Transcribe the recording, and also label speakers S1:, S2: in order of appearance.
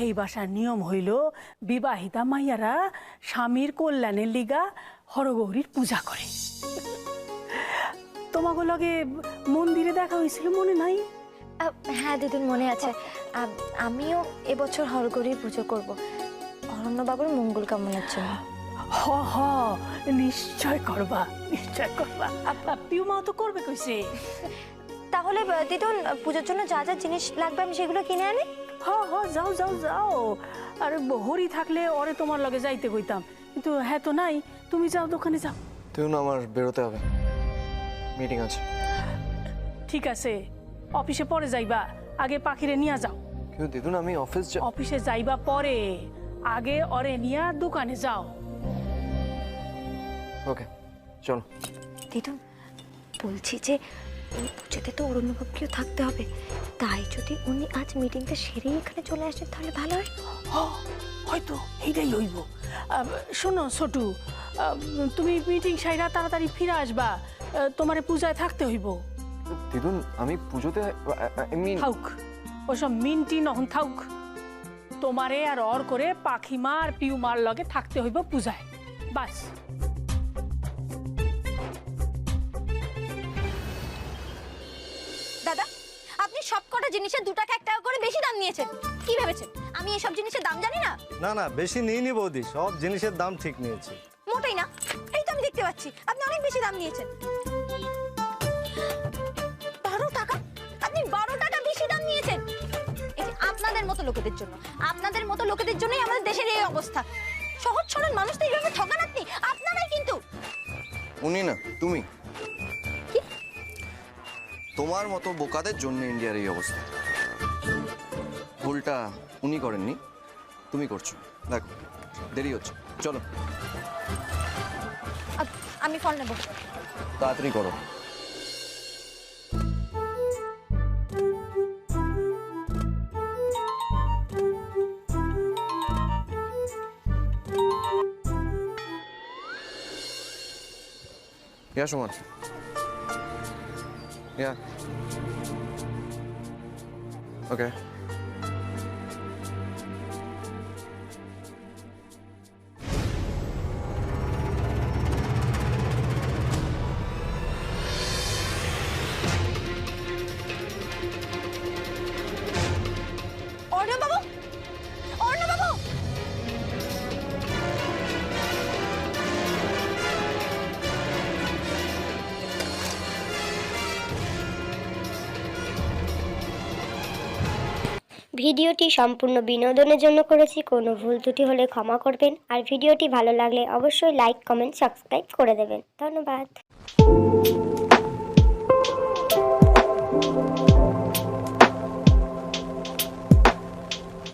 S1: সেই বাসার নিয়ম হইল বিবাহিতা মাইয়ারা স্বামীর কল্যাণের লিগা হরগৌরীর পূজা করে। তোমাকে লগে মন্দিরে দেখা হয়েছিল মনে নাই?
S2: হ্যাঁ দিদুন, মনে আছে। আমিও এবছর হরগৌরীর পুজো করব, অরণ্যবাবুর মঙ্গল কামনার জন্য।
S1: হ হ, নিশ্চয় করবা, নিশ্চয় করবা। পিউ মাও তো করবে কইছে।
S2: তাহলে দিদুন, পুজোর জন্য যা যা জিনিস লাগবে আমি সেগুলো কিনে আনি।
S1: হ হ, যাও যাও যাও। আরে হরি থাকলে ওরে তোমার লগে যাইতে কইতাম, কিন্তু হ্যাঁ তো নাই। তুমি যাও, দোকানে যাও।
S3: তুই না, আমার বেরোতে হবে, মিটিং আছে।
S1: ঠিক আছে, অফিসে পরে যাইবা, আগে পাখিরে নিয়ে যাও।
S3: কিন্তু দিদুন, আমি
S1: অফিসে যাইবা পরে, আগে ওরে নিয়ে দোকানে যাও।
S3: ওকে, চলো।
S2: দিদুন, বলছি যে এই পুজোতে তো অরণ্যবাবুকেও থাকতে হবে, তাই যদি উনি আজ মিটিংটা সেরে এখানে চলে আসেন তাহলে ভালো হয়।
S1: হয়তো এইটাই হইব। শোনো ছোটু, তুমি মিটিং সাইরা তাড়াতাড়ি ফিরে আসবা, তোমারে পূজায় থাকতে হইব।
S3: দিদুন, আমি পুজোতে
S1: থাউক, ওসব মিনটি নহন থাউক। তোমারে আর অর করে পাখিমার পিউমার লগে থাকতে হইব পূজায়, বাস।
S2: দাদা, আপনি সবকটা জিনিসের 2 টাকা 1 টাকা করে বেশি দাম নিয়েছেন। কি ভেবেছেন আমি এসব জিনিসের দাম জানি না?
S4: না না, বেশি নিইনি বৌদি, সব জিনিসের দাম ঠিক নিয়েছি।
S2: মোটেই না, এই তো আমি দেখতে পাচ্ছি আপনি অনেক বেশি দাম নিয়েছেন। 12 টাকা? আপনি 12 টাকা বেশি দাম নিয়েছেন। এই যে আপনাদের মতো লোকেদের জন্য, আপনাদের মতো লোকেদের জন্যই আমাদের দেশের এই অবস্থা। সহজ সরল মানুষ তো এইভাবে ঠকান আপনি, আপনারাই কিন্তু।
S3: উনি না, তুমি। তোমার মতো বোকাদের জন্য ইন্ডিয়ার এই অবস্থা। ভুলটা উনি করেননি, তুমি করছো। দেখো, দেরি হচ্ছে, চলো।
S2: আমি ফল নেব।
S3: তাড়াতাড়ি করো। Ja, schon mal. Ja. Okay.
S2: অর্ণববাবু, অর্ণববাবু!
S5: ভিডিওটি সম্পূর্ণ বিনোদনের জন্য করেছি, কোনো ভুল ত্রুটি হলে ক্ষমা করবেন। আর ভিডিওটি ভালো লাগলে অবশ্যই লাইক, কমেন্ট, সাবস্ক্রাইব করে দেবেন। ধন্যবাদ।